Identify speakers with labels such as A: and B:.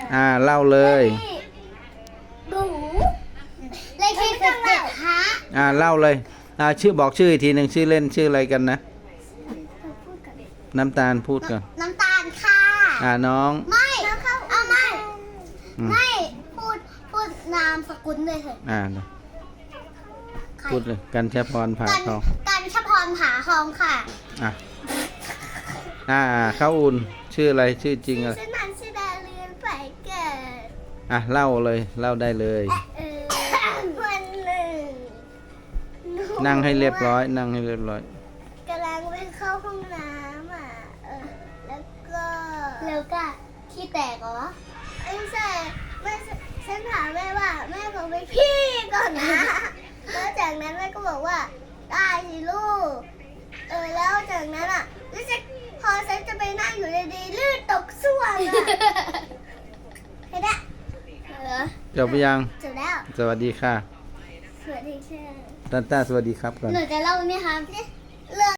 A: เล่าเลย
B: หนูเลขที่17ฮะ
A: เล่าเลยชื่อบอกชื่ออีกทีหนึ่งชื่อเล่นชื่ออะไรกันนะน้ำตาลพูดก่อน
B: น้ำตาลค่ะ
A: น้อง
B: ไม่ไม่พูดนามสกุลเลยเถอะ
A: พูดเลยกันชพรผาทอง
B: กันชพรผาทองค่ะ
A: ข้าวอุ่นชื่ออะไรชื่อจริงอะไร
B: ชื่อนันชื่อดาเรียนไปเกิด
A: เล่าเลยเล่าได้เลย
B: วันหนึ่ง
A: นั่งให้เรียบร้อยนั่งให้เรียบร้อย
B: กำลังไปเข้าห้องน้ำแล้วก็ขี้แตกเหรอไม่ใช่ฉันถามแม่ว่าแม่บอกไปพี่ก่อนนะแล้วจากนั้นแม่ก็บอกว่าได้สิลูกแล้วจากนั้นพอฉันจะไปนั่งอยู่ดีๆลื่นตกส้วมเห็นไหม
A: จบไปยัง
B: จบแล้ว
A: สวัสดีค่ะ
B: สวัสดีค่ะ
A: ต้าสวัสดีครับก่อน
B: หนูจะเล่าไหมคะ